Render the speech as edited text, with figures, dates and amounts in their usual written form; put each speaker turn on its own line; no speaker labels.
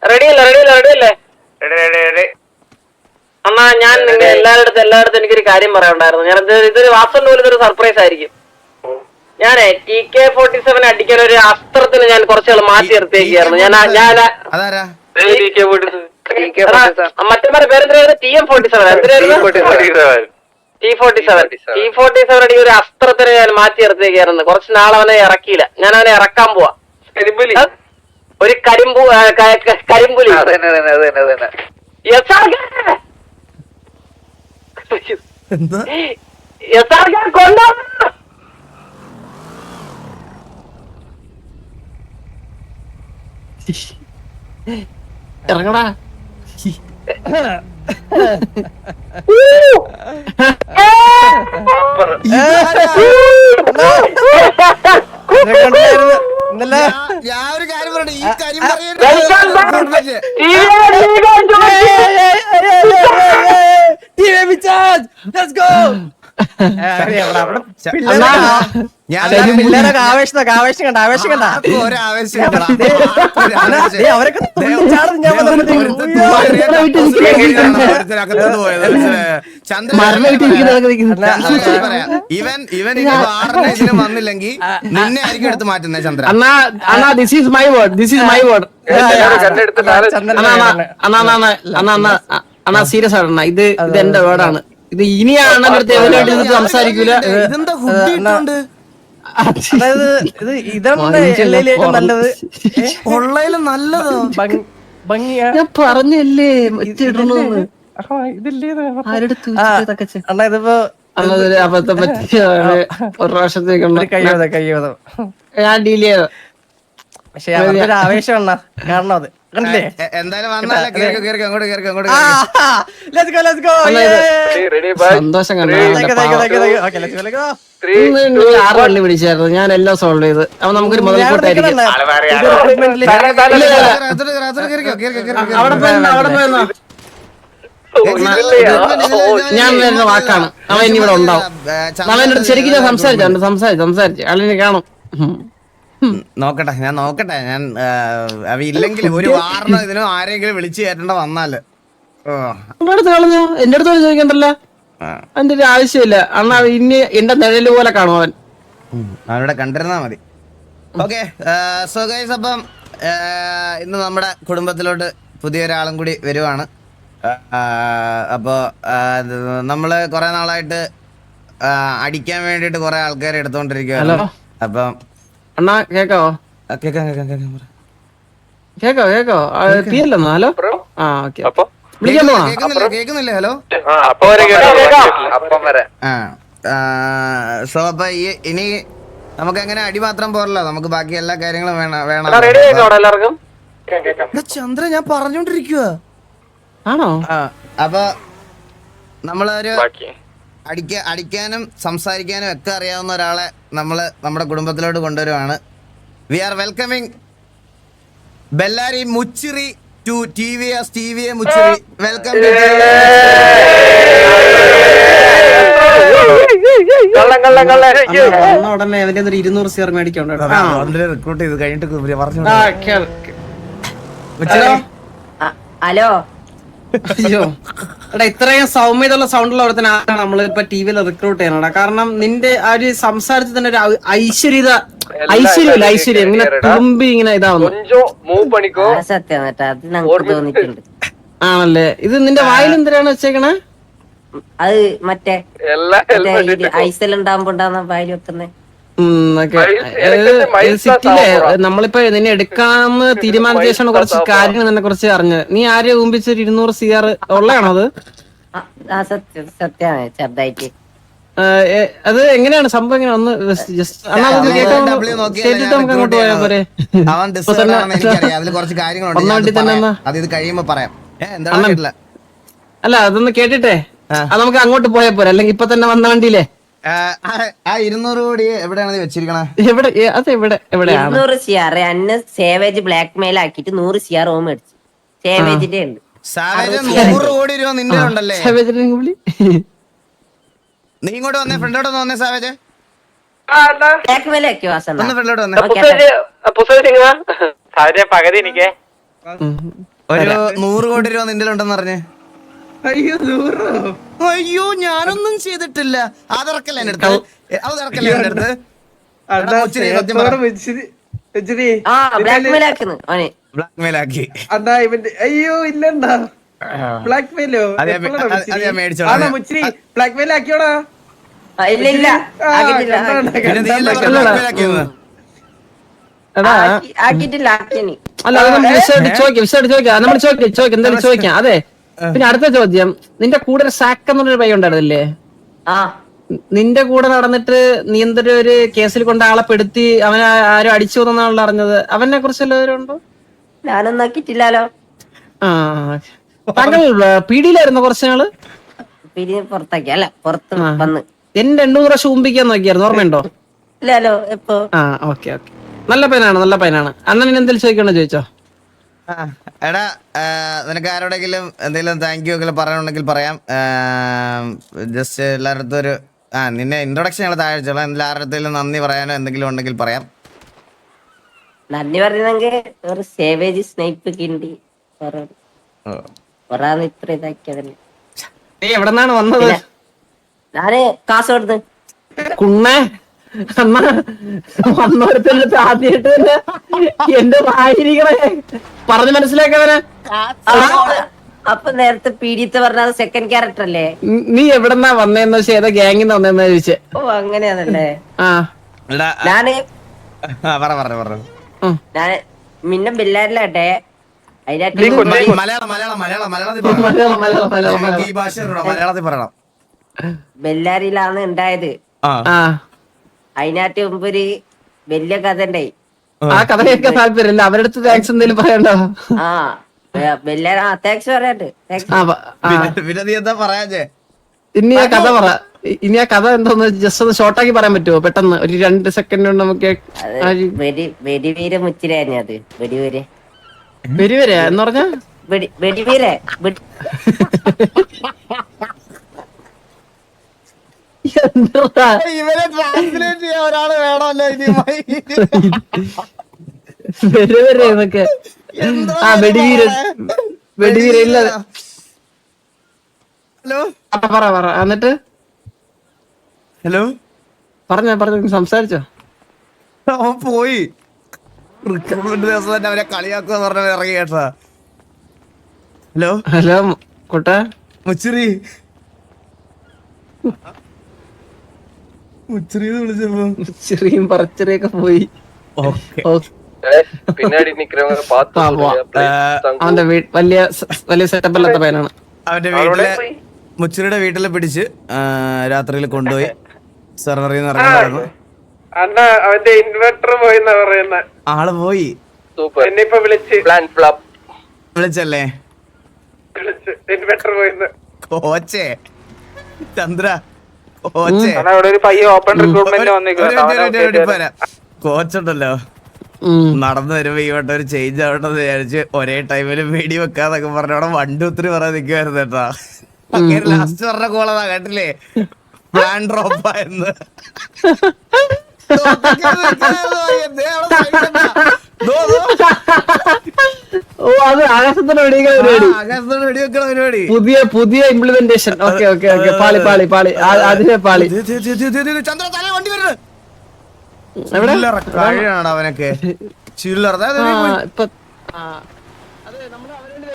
റെഡിയല്ലേ അണ്ണാ ഞാൻ നിങ്ങൾ എല്ലായിടത്തും എനിക്കൊരു കാര്യം പറയാനുണ്ടായിരുന്നു. ഞാൻ ഇതൊരു വാസന്റെ പോലും ഇതൊരു സർപ്രൈസ് ആയിരിക്കും. ഞാനേ TK-47 അടിക്കാൻ ഒരു അസ്ത്രത്തിന് ഞാൻ കുറച്ചുകൾ മാറ്റി നിർത്തിയേക്കായിരുന്നു. മറ്റേ പേരെന്തായിരുന്നു? T-47 അടി ഒരു അസ്ത്രത്തിന് ഞാൻ മാറ്റി നിർത്തിയേക്കായിരുന്നു. കുറച്ച് നാളെ അവനെ ഇറക്കിയില്ല. ഞാൻ അവനെ ഇറക്കാൻ പോവാ. ഒരു കരിമ്പുലി കൊണ്ടോ ഇറങ്ങടാ.
ഞാൻ ഒരു കാര്യം പറയട്ടെ, ഈ കാര്യം ഇവൻ ഇതിന് വന്നില്ലെങ്കിൽ നിന്നെ ആയിരിക്കും എടുത്ത് മാറ്റുന്നേ Chandra.
This is my word അണ്ണാ സീരിയസ് ആണ്. ഇത് എന്റെ വേർഡാണ്. ഇത് ഇനിയാണ് സംസാരിക്കൂല.
ഇതെന്താ ഫുഡ് ഇട്ടുണ്ട്?
നല്ലത്
നല്ലതോ
ഞാൻ പറഞ്ഞല്ലേ
ഇതിപ്പോ
അബദ്ധം പറ്റിയാണ്. ഒരു പ്രാവശ്യത്തേക്കുള്ള ഞാൻ ഡീൽ ചെയ്ത.
പക്ഷെ അവരുടെ ആവേശം എണ്ണ കാരണം അത് കണ്ടില്ലേ.
എന്തായാലും
സന്തോഷം കണ്ടു. 6 വള്ളി പിടിച്ചായിരുന്നു. ഞാൻ എല്ലാം സോൾവ് ചെയ്ത്. അപ്പൊ നമുക്കൊരു മുതൽക്കൂട്ടായിരിക്കും. അവിടെ പോയെന്നോ ഞാൻ വരുന്ന വാക്കാണ്. അവൻ ഇനി ഇവിടെ ഉണ്ടാവും. അവൻ എന്റെ അടുത്ത് ശരിക്കും ഞാൻ സംസാരിച്ചു അളിനെ കാണും.
നോക്കട്ടെ ഞാൻ അവ ഇല്ലെങ്കിൽ ഒരു വാറിനോ ഇതിനോ ആരെങ്കിലും വിളിച്ചു കയറ്റേണ്ട വന്നാല്
കളഞ്ഞു. എന്റെ അടുത്ത് ചോദിക്കണ്ടല്ലോ. അതിന്റെ ഒരു ആവശ്യമില്ല. അണ്ണാ ഇനി എന്റെ നിഴല് പോലെ കാണും അവൻ.
അവനോടെ കണ്ടിരുന്നാ മതി. ഓക്കെ സോ ഗൈസ്, അപ്പം ഇന്ന് നമ്മുടെ കുടുംബത്തിലോട്ട് പുതിയൊരാളും കൂടി വരുവാണ്. അപ്പോ നമ്മള് കൊറേ നാളായിട്ട് അടിക്കാൻ വേണ്ടിട്ട് കൊറേ ആൾക്കാരെ എടുത്തോണ്ടിരിക്കുകയാണ്. അപ്പം
അണ്ണാ കേക്കാവോ? കേക്കോ തീയല്ലെന്നോ? ഹലോ വിളിക്കാൻ പോണോ?
കേക്കുന്നില്ലേ? ഹലോ. സോ അപ്പൊ ഇനി നമുക്ക് അങ്ങനെ അടി മാത്രം പോരല്ലോ, നമുക്ക് ബാക്കി എല്ലാ കാര്യങ്ങളും വേണം. ചന്ദ്ര ഞാൻ പറഞ്ഞോണ്ടിരിക്കുക
ആണോ?
അപ്പൊ നമ്മളൊരു അടിക്കാനും സംസാരിക്കാനും ഒക്കെ അറിയാവുന്ന ഒരാളെ നമ്മള് നമ്മുടെ കുടുംബത്തിലോട്ട് കൊണ്ടുവരുവാണ്. വി ആർ വെൽക്കമിങ് ബെല്ലാരി മുച്ചിറി ടു TVS മുച്ചിറി. വെൽക്കം.
ഉടനെ അവന്റെ 200 CR മേടിക്കണ്ട.
റിക്രൂട്ട് ചെയ്ത് കഴിഞ്ഞിട്ട്
ഹലോ.
അയ്യോ എടാ, ഇത്രയും സൗമ്യതയുള്ള സൗണ്ടുള്ള ഒരുത്തനാണ് നമ്മളിപ്പോ TV-യിൽ റിക്രൂട്ട് ചെയ്യണടാ. കാരണം നിന്റെ ആ ഒരു സംസാരത്തിൽ തന്നെ ഒരു ഐശ്വര്യം ഇങ്ങനെ തുമ്പി ഇങ്ങനെ ഇതാവുന്നു. ആണല്ലേ? ഇത് നിന്റെ വായിൽ എന്തിനാണ് വെച്ചേക്കണേ?
അത് മറ്റേ ഐസലുണ്ടാകുമ്പോ വായിൽ വെക്കുന്നേ.
സിറ്റിയിലെ നമ്മളിപ്പോ നിന്നെ എടുക്കാന്ന് തീരുമാനിച്ച ശേഷമാണ് കുറച്ച് കാര്യങ്ങൾ നിന്നെ കുറിച്ച് അറിഞ്ഞത്. നീ ആരെയും ഊമ്പിച്ചൊരു 200 CR ഉള്ളതാണോ അത്?
സത്യമാണ്, ചെറുതായിട്ട്.
അത് എങ്ങനെയാണ് സംഭവം? എങ്ങനെ ഒന്ന് ജസ്റ്റ് നമുക്ക് അങ്ങോട്ട് പോയാ പോരെ? അല്ല അതൊന്ന് കേട്ടിട്ടേ അത് നമുക്ക് അങ്ങോട്ട് പോയാ പോരെ, അല്ലെങ്കിൽ ഇപ്പൊ തന്നെ വന്ന വണ്ടിയില്ലേ?
200 കോടി എവിടെയാണ് വെച്ചിരിക്കണേ?
എവിടെയാണ്
200 CR അന്ന് സേവേജ് ബ്ലാക്ക് മെയിൽ ആക്കിട്ട് 100 CR ഓം മേടിച്ചു. സേവേജിന്റെ ഉണ്ട്.
100 കോടി രൂപ നിന്റെ ഉണ്ടല്ലേ? നീ ഇങ്ങോട്ട് വന്നേ, ഫ്രണ്ടോട്ട് വന്നേ. സാവേജ്
ബ്ലാക്ക് മെയിൽ ആക്കിയോ?
ഫ്രണ്ടോട്ട് വന്നേ.
പകുതി എനിക്ക്
ഒരു 100 കോടി രൂപ നിന്റെ ഉണ്ടെന്ന് പറഞ്ഞ്.
അയ്യോ 100.
അയ്യോ ഞാനൊന്നും ചെയ്തിട്ടില്ല. അതിറക്കല്ല എന്റെ അടുത്ത്, അത് ഇറക്കല്ല എന്റെ അടുത്ത്.
അണ്ണാ
മുച്ചിരി സത്യം പറ.
സ്നേഹത്തോടെ വെച്ചിരി
ആ ബ്ലാക്ക് മെയിൽ ആക്കുന്നു അവനെ.
ബ്ലാക്ക് മെയിൽ ആക്കി.
അണ്ണാ ഇവന്റെ അയ്യോ ഇല്ലണ്ടാ ബ്ലാക്ക് മെയിലോ
അത് ഞാൻ മേടിച്ചോളാം.
ആണോ മുച്ചിരി ബ്ലാക്ക് മെയിൽ ആക്കിയോടാ?
ഇല്ല ഇല്ല ആക്കിയിട്ടില്ല
പിന്നെ നീ അല്ലേ പറഞ്ഞത് black mail ആക്കിയെന്ന്?
എടാ
ആക്കിയിട്ടില്ല ആക്കിനി.
അല്ല അത് നമ്മൾ വിശദമായിട്ട് ചോദിക്കാം നമ്മൾ ചോദിക്കാം എന്തായാലും ചോദിക്കാം. അതെ, പിന്നെ അടുത്ത ചോദ്യം, നിന്റെ കൂടെ ഒരു സാക്ക് എന്നൊരു പയ്യ ഉണ്ടായിരുന്നില്ലേ?
ആ
നിന്റെ കൂടെ നടന്നിട്ട് നീ എന്തൊരു ഒരു കേസിൽ കൊണ്ട് ആളെ പെടുത്തി അവനെ ആരും അടിച്ചു എന്നാണല്ലോ അറിഞ്ഞത്. അവനെ കുറിച്ച് എല്ലാവരും ഉണ്ടോ?
ഞാനൊന്നും ആക്കിയിട്ടില്ലാലോ.
ആ, താങ്കൾ പീഡിയിലായിരുന്നു കുറച്ച് നാള്.
പിരി പുറത്താക്കി അല്ല പുറത്ത് വന്ന്.
എന്നെ 8 പ്രാവശ്യം ഉമ്പിക്കാൻ നോക്കിയായിരുന്നു, ഓർമ്മയുണ്ടോ?
ഇല്ലാലോ എപ്പോ.
ആ ഓക്കെ നല്ല പയ്യനാണ്. അണ്ണൻ എന്തെങ്കിലും ചോദിക്കണോ? ചോദിച്ചോ.
എടാ നിനക്ക് ആരോടെങ്കിലും എന്തെങ്കിലും താങ്ക് യു ഒക്കെ പറയാനുണ്ടെങ്കിൽ പറയാം. ജസ്റ്റ് എല്ലാവരുടെ ഒരു നിന്നെ ഇൻട്രൊഡക്ഷൻ ഞങ്ങൾ താഴെ വെച്ചോളാം. എല്ലാവരുടെ നന്ദി പറയാനോ എന്തെങ്കിലും ഉണ്ടെങ്കിൽ പറയാം.
നന്ദി പറയുന്നെങ്കിൽ ഒരു സേവേജ് സ്നൈപ്പ് കിണ്ടി ഒരാന്ന് ഇത്ര ഇതാക്കിയതല്ലേ.
നീ എവിടെന്നാണ് വന്നത്?
ഞാന് കാസർഗോഡ്.
കുണ്ണേ അമ്മ വന്നോരത്തെ ആദ്യമായിട്ട് തന്നെ എന്റെ വായിരിക്കണേ പറഞ്ഞ് മനസ്സിലാക്കവനെ.
അപ്പൊ നേരത്തെ പീഡിയത്തെ പറഞ്ഞത് സെക്കൻഡ് ക്യാരക്ടർ അല്ലേ?
നീ എവിടെന്നാ വന്നേന്ന് വെച്ചാൽ ഏതാ ഗ്യാങ്ങിന്ന് വന്നേന്ന് ചോദിച്ചേ.
ഓ അങ്ങനെയാണല്ലേ.
ആ
ഞാന്
ഉം.
ഞാന് മിന്ന ബില്ലാരിലാട്ടെ
മലയാളത്തിൽ പറയണം.
ബെല്ലാരിയിലാണ് ഉണ്ടായത്.
ആ
അതിനകത്ത് മുമ്പ് ഒരു വലിയ കഥ ഉണ്ടായി.
ആ കഥ കേൾക്കാൻ താല്പര്യമില്ല. അവരുടെ അടുത്ത് താങ്ക്സ് എന്തെങ്കിലും പറയണ്ടോ?
ആ ബെല്ലാരി താങ്ക്സ് പറയണ്ട്.
പിന്നെ നീ എന്താ പറയാ?
ഇനി ആ കഥ പറ. ഇനി ആ കഥ എന്തോന്ന് ജസ്റ്റ് ഒന്ന് ഷോർട്ടാക്കി പറയാൻ പറ്റുമോ? പെട്ടെന്ന് ഒരു 2 സെക്കൻഡ് കൊണ്ട് നമുക്ക്.
വെടിവീര മുച്ചിരായിരുന്നു അത്.
വരെ എന്ന് പറഞ്ഞ
വെടിവീര
ഇവരെ ട്രാൻസ്ലേറ്റ് ചെയ്യാൻ ഒരാള് വേണമല്ലോ.
വരെ എന്നൊക്കെ. ആ വെടിവീര ഇല്ല.
ഹലോ
പറ എന്നിട്ട്
ഹലോ
പറഞ്ഞ സംസാരിച്ചോ?
അവൻ പോയി. റിക്രൂട്ട്മെന്റ് ദിവസം തന്നെ അവരെ കളിയാക്കുക പറഞ്ഞ ഇറങ്ങി കേട്ടാ.
ഹലോ കുട്ടാ
മുച്ചിറി വിളിച്ചപ്പോ
ചെറിയും പറച്ചെറിയൊക്കെ പോയി. അവന്റെ വലിയ സെറ്റപ്പ് അല്ലാത്ത പയ്യനാണ്.
അവന്റെ വീട്ടിലെ മുച്ചിറിയുടെ വീട്ടിലെ പിടിച്ച് രാത്രിയിൽ കൊണ്ടുപോയി സെർവറിൽ നിന്ന് ഇറങ്ങി.
അണ്ണാ അവന്റെ ഇൻവെർട്ടർ പോയിന്നാ പറയുന്ന.
ആള് പോയി.
എന്നെ ഇപ്പൊ
വിളിച്ചല്ലേ?
ഇൻവെർട്ടർ പോയിന്ന്.
കോച്ചേ ചന്ദ്ര കോച്ചേ കോച്ചുണ്ടല്ലോ, നടന്നു വരുമ്പോ ഈ വട്ടം ഒരു ചേഞ്ച് ആവട്ടെന്ന് വിചാരിച്ച് ഒരേ ടൈമില് വെടി വെക്കാന്നൊക്കെ പറഞ്ഞോടെ 1 2 3 പറയാൻ നിക്കുവായിരുന്നു കേട്ടാ. അങ്ങനെ ലാസ്റ്റ് പറഞ്ഞ കോളതാ കേട്ടില്ലേ? പ്ലാൻ ഡ്രോപ്പായെന്ന്.
ഓ അത് ആകാശത്തോടെ
വെടിവെക്കണ പരിപാടി.
പുതിയ ഇംപ്ലിമെന്റേഷൻ. ഓക്കെ പാളി അതിനെ പാളി.
ചന്ദ്ര തല വണ്ടി വരുന്നത് കഴിയണ അവനൊക്കെ ചില്ലറ.
ഇപ്പൊ